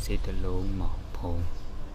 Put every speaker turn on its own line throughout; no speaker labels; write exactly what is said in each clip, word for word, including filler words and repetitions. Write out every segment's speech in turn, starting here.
စေတလုံးမောင်ဖုံး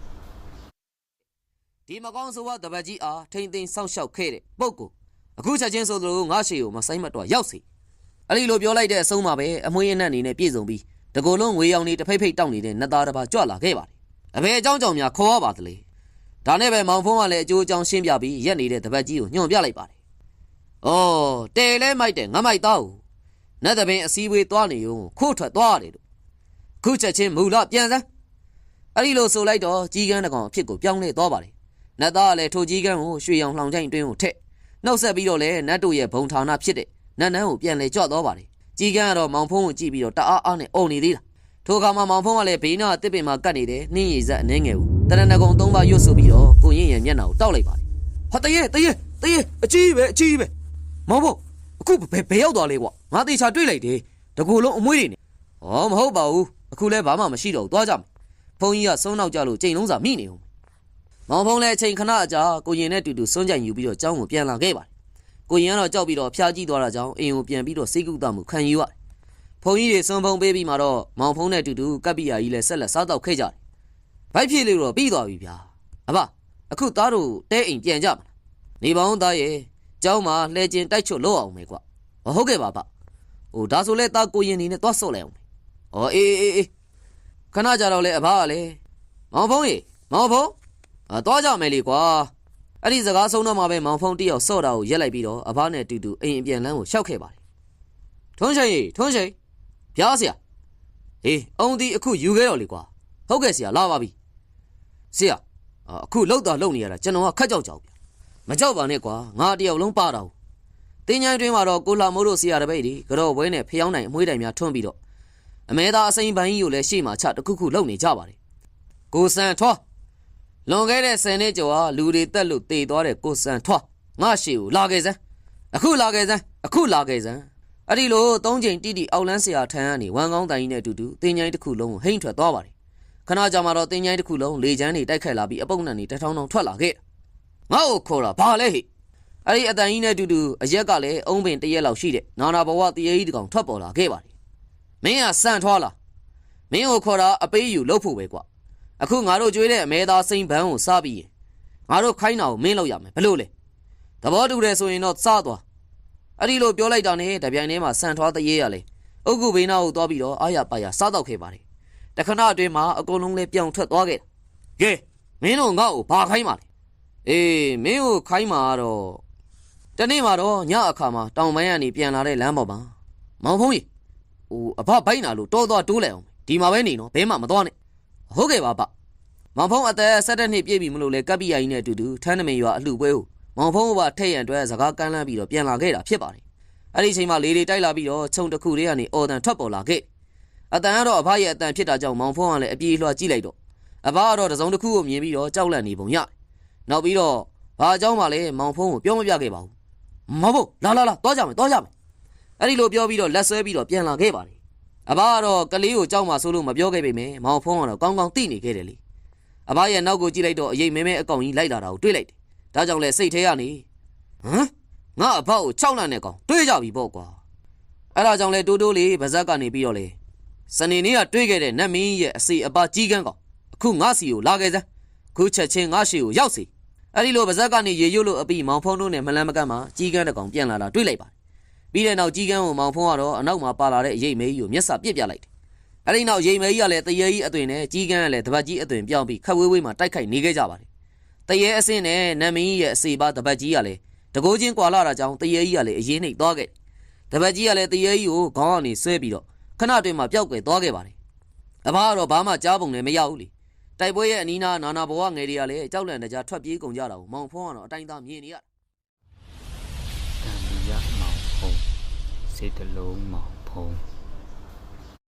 ဒီမကောင်းဆိုးဝါးတပတ်ကြီးအားထိမ့်သိမ်းစောင့်ရှောက်ခဲ့တဲ့ပုဂ္ဂိုလ်အခုချက်ချင်းဆိုသလိုငါရှေကိုမဆိုင်မတော့ရောက်စီအဲ့ဒီလိုပြောလိုက်တဲ့အဆုံးမှာပဲအမွှေးအနှံ့အနေနဲ့ပြည်စုံပြီးတကိုယ်လုံးငွေရောင်နေတဖိတ်ဖိတ်တောက်နေတဲ့နတ်သားတစ်ပါးကြွလာခဲ့ပါတယ်အဘယ်အကြောင်းကြောင့်များခေါ်ရပါသလဲဒါနဲ့ပဲမောင်ဖုံးကလည်းအကျိုးအကြောင်းရှင်းပြပြီးရက်နေတဲ့တပတ်ကြီးကိုညွှန်ပြလိုက်ပါတယ်အော်တဲလဲမိုက်တဲ့ငါမိုက်သားကိုနတ်သပင်အစည်းအဝေးသွားနေုံခိုးထွက်သွားတယ်လို့ခုချက်ချင်းမူလပြန်စမ်းအဲ့ဒီလိုဆိုလိုက်တော့ကြီးကန်းတကောင်အဖြစ်ကိုပြောင်းလဲသွားပါတယ်နတ်သားကလည်းထိုကြီးကန်းကိုရွှေရောင်လှောင်ချိုင်တွင်းကိုထက်နှုတ်ဆက်ပြီးတော့လည်းနတ်တို့ရဲ့ဘုံဌာနဖြစ်တဲ့နတ်နန်းကိုပြန်လဲကြွသွားပါတယ်ကြီးကန်းကတော့မောင်ဖုံးကိုကြည့်ပြီးတော့တအားအားနဲ့အုံနေသေးတာထိုအခါမှာမောင်ဖုံးကလည်းဘေးနာတစ်ပင်မှာကတ်နေတဲ့နှင်းရည်ဆက်အနှဲငယ်ကိုတရဏဂုံသုံးပါးရွတ်ဆိုပြီးတော့ကိုရင်ရဲ့မျက်နှာကိုတောက်လိုက်ပါတယ်ဟာတရေတရေတရေအကြီးပဲအကြီးပဲမောင်ဖုံးအခုဘယ်ဘယ်ရောက်သွားလဲကွာငါတေချာတွေ့လိုက်တယ်တကူလုံးအမွှေးတွေနေဟောမဟုတ်ပါဘူးအခုလဲဘာမှမရှိတော့ဘူးသွားကြမယ်ဖုံးကြီးကဆုံးနောက်ကြလို့ကြိမ်လုံးစာမိနေဦးမောင်ဖုံးလည်းအချိန်ခဏအကြာကိုရင်နဲ့တူတူစွန့်ကြိုင်ယူပြီးတော့ကျောင်းကိုပြန်လာခဲ့ပါတယ်ကိုရင်ကတော့ကြောက်ပြီးတော့ဖျားကြည့်သွားတာကြောင့်အိမ်ကိုပြန်ပြီးတော့စိတ်ကူးတမှုခံယူရတယ်ဖုံးကြီးတွေစွန့်ဖုံးပေးပြီးမှတော့မောင်ဖုံးနဲ့တူတူကပ်ပိယာကြီးလည်းဆက်လက်စားတော့ခဲ့ကြတယ်ဘိုက်ဖြစ်လို့တော့ပြီးသွားပြီဗျာအဘအခုသားတို့တဲအိမ်ပြန်ကြမလားနေပေါင်းသားရဲ့ကျောင်းမှာလှဲကျင်တိုက်ချွတ်လို့အောင်မယ်ကွာဟုတ်ကဲ့ပါဗျဟိုဒါဆိုလဲသားကိုရင်နေနဲ့သွားဆော့လိုက်အောင်ဩအေးအေးအေးခဏကြာတော့လေအဘကလည်းမောင်ဖုံးရေမောင်ဖုံးအာသွားကြမယ်လေကွာအဲ့ဒီစကားဆုံးတော့မှပဲမောင်ဖုံးတယောက်ဆော့တာကိုရက်လိုက်ပြီးတော့အဘနဲ့တူတူအိမ်အပြန်လန်းကိုရှောက်ခဲ့ပါတယ်ထွန်းရှိန်ရေထွန်းရှိန်ဖျားဆရာဟေးအုံဒီအခုယူခဲ့တော့လေကွာဟုတ်ကဲ့ဆရာလာပါပြီဆရာအခုလှုပ်တာလှုပ်နေရတာကျွန်တော်ကခက်ကြောက်ကြောက်ဗျမကြောက်ပါနဲ့ကွာငါတယောက်လုံးပါတာတင်းချိုင်းတွင်းမှာတော့ကိုလာမိုးတို့ဆရာတပည့်တွေကြော့ဝဲနဲ့ဖျောင်းနိုင်အမွှေးတိုင်များထွန်းပြီးတော့အမဲသားအစိမ်းပန်းကြီးကိုလည်းရှေ့မှာချတခုခုလှုပ်နေကြပါတယ်ကိုစံထွားလွန်ခဲ့တဲ့ဆယ်နှစ်ကျော်ဟာလူတွေတက်လို့တေသွားတဲ့ကိုစံထွားငါရှေကိုလာခဲ့စမ်းအခုလာခဲ့စမ်းအခုလာခဲ့စမ်းအဲ့ဒီလိုသုံးချိန်တိတိအောက်လန်းဆရာထံကနေဝမ်ကောင်းတိုင်ကြီးနဲ့အတူတူတင်းချိုင်းတစ်ခုလုံးကိုဟိမ့်ထွက်သွားပါတယ်ခဏကြာမှတော့တင်းချိုင်းတစ်ခုလုံးလေချမ်းတွေတိုက်ခတ်လာပြီးအပုပ်နှံတွေတထောင်းထောင်းထွက်လာခဲ့ငါ့ကိုခေါ်တာဘာလဲဟိအဲ့ဒီအတန်ကြီးနဲ့အတူတူအရက်ကလည်းအုံးပင်တရက်လောက်ရှိတဲ့နာနာဘဝတရေကြီးတကောင်ထွက်ပေါ်လာခဲ့ပါတယ်မင်းကစံထွားလာမင်းကိုခေါ်တာအပေးယူလုပ်ဖို့ပဲကွာအခုငါတို့ကြွေးတဲ့အမဲသားစိမ့်ဘန်းကိုစားပြီးရင်ငါတို့ခိုင်းတာကိုမင်းလုပ်ရမယ်ဘလို့လဲသဘောတူတယ်ဆိုရင်တော့စားသွားအဲ့ဒီလိုပြောလိုက်တာနဲ့တပြိုင်တည်းမှာစံထွားတရေရလေအုတ်ကုဘေးနာကိုသွားပြီးတော့အာရပါရစားတော့ခဲ့ပါတယ်တခဏအတွင်းမှာအကုန်လုံးလည်းပြောင်းထွက်သွားခဲ့တာကဲမင်းတို့ငါ့ကိုဘာခိုင်းပါလဲအေးမင်းကိုခိုင်းမှာတော့တနေ့မှာတော့ညအခါမှာတောင်ပိုင်းကနေပြန်လာတဲ့လမ်းပေါ်မှာမောင်ဖုံးကြီးဟိုအဖဘိုက်နာလို့တောသွားတိုးလိုက်အောင်ဒီမှာပဲနေနော်ဘဲမှမသွားနဲ့ဟုတ်ကဲ့ပါဗျမောင်ဖုံးအသက်၁၇နှစ်ပြည့်ပြီမလို့လေကပ်ပိယာကြီးနဲ့အတူတူထန်းနမင်ရွာအလှပွဲကိုမောင်ဖုံးကပါထည့်ရန်အတွက်စကားကမ်းလှမ်းပြီးတော့ပြန်လာခဲ့တာဖြစ်ပါတယ်အဲ့ဒီအချိန်မှာလေတွေတိုက်လာပြီးတော့ခြုံတစ်ခုလေးကနေအော်တန်ထွက်ပေါ်လာခဲ့အတန်ကတော့အဖရဲ့အတန်ဖြစ်တာကြောင့်မောင်ဖုံးကလည်းအပြေးလွှာကြည့်လိုက်တော့အဖကတော့တစုံတစ်ခုကိုမြင်ပြီးတော့ကြောက်လန့်နေပုံရတယ်နောက်ပြီးတော့ဘာအကြောင်းမှလည်းမောင်ဖုံးကိုပြောမပြခဲ့ပါဘူးမဟုတ်လာလာလာသွားကြမယ်သွားကြမယ်အဲ့ဒီလိုပြောပြီးတော့လက်ဆွဲပြီးတော့ပြန်လာခဲ့ပါတယ်အဘကတော့ကလေးကိုကြောက်မှဆိုလို့မပြောခဲ့ပေမယ့်မောင်ဖုံးကတော့ကောင်းကောင်းသိနေခဲ့တယ်လေအဘရဲ့နောက်ကိုကြည့်လိုက်တော့အရေးမဲမဲအကောင်ကြီးလိုက်လာတာကိုတွေ့လိုက်တယ်ဒါကြောင့်လဲစိတ်ထဲကနေဟမ်ငါအဘကို၆လနဲ့ကောင်တွေးကြပြီပေါ့ကွာအဲ့ဒါကြောင့်လဲတိုးတိုးလေးဗဇက်ကနေပြီးတော့လေစနေနေ့ကတွေးခဲ့တဲ့နတ်မင်းရဲ့အစီအပါကြီးကန်းကောင်အခုငါစီကိုလာခဲ့စမ်းခုချက်ချင်းငါရှေကိုရောက်စီအဲ့ဒီလိုဗဇက်ကနေရေရွတ်လို့အပြီးမောင်ဖုံးတို့နဲ့မလန်းမကန့်မှာကြီးကန်းတကောင်ပြန်လာတာတွေ့လိုက်ပါတယ်ပြီးတဲ့နောက်ကြီးကန်းကိုမောင်ဖုံးကတော့အနောက်မှာပါလာတဲ့အရေးမဲကြီးကိုမျက်စာပြစ်ပြလိုက်တယ်အဲ့ဒီနောက်ရေးမဲကြီးကလည်းတရေကြီးအသွင်နဲ့ကြီးကန်းကလည်းတပတ်ကြီးအသွင်ပြောင်းပြီးခက်ဝေးဝေးမှာတိုက်ခိုက်နေခဲ့ကြပါတယ်တရေအစင်းနဲ့နတ်မင်းကြီးရဲ့အစီပါတပတ်ကြီးကလည်းတကိုးချင်းကွာလာတာကြောင့်တရေကြီးကလည်းအရင်နှိပ်သွားခဲ့တပတ်ကြီးကလည်းတရေကြီးကိုခေါင်းကနေဆွဲပြီးတော့ခဏတွင်မှာပျောက်ကွယ်သွားခဲ့ပါတယ်အဘကတော့ဘာမှကြားပုံလည်းမရဘူးလေတိုက်ပွဲရဲ့အနီးနားနာနာဘဝငယ်တွေကလည်းကြောက်လန့်တကြားထွက်ပြေးကုန်ကြတာကိုမောင်ဖုံးကတော့အတိုင်းသားမြင်နေရ
တံမီရမောင်ဖုံးစေတလုံးမောင်ဖုံး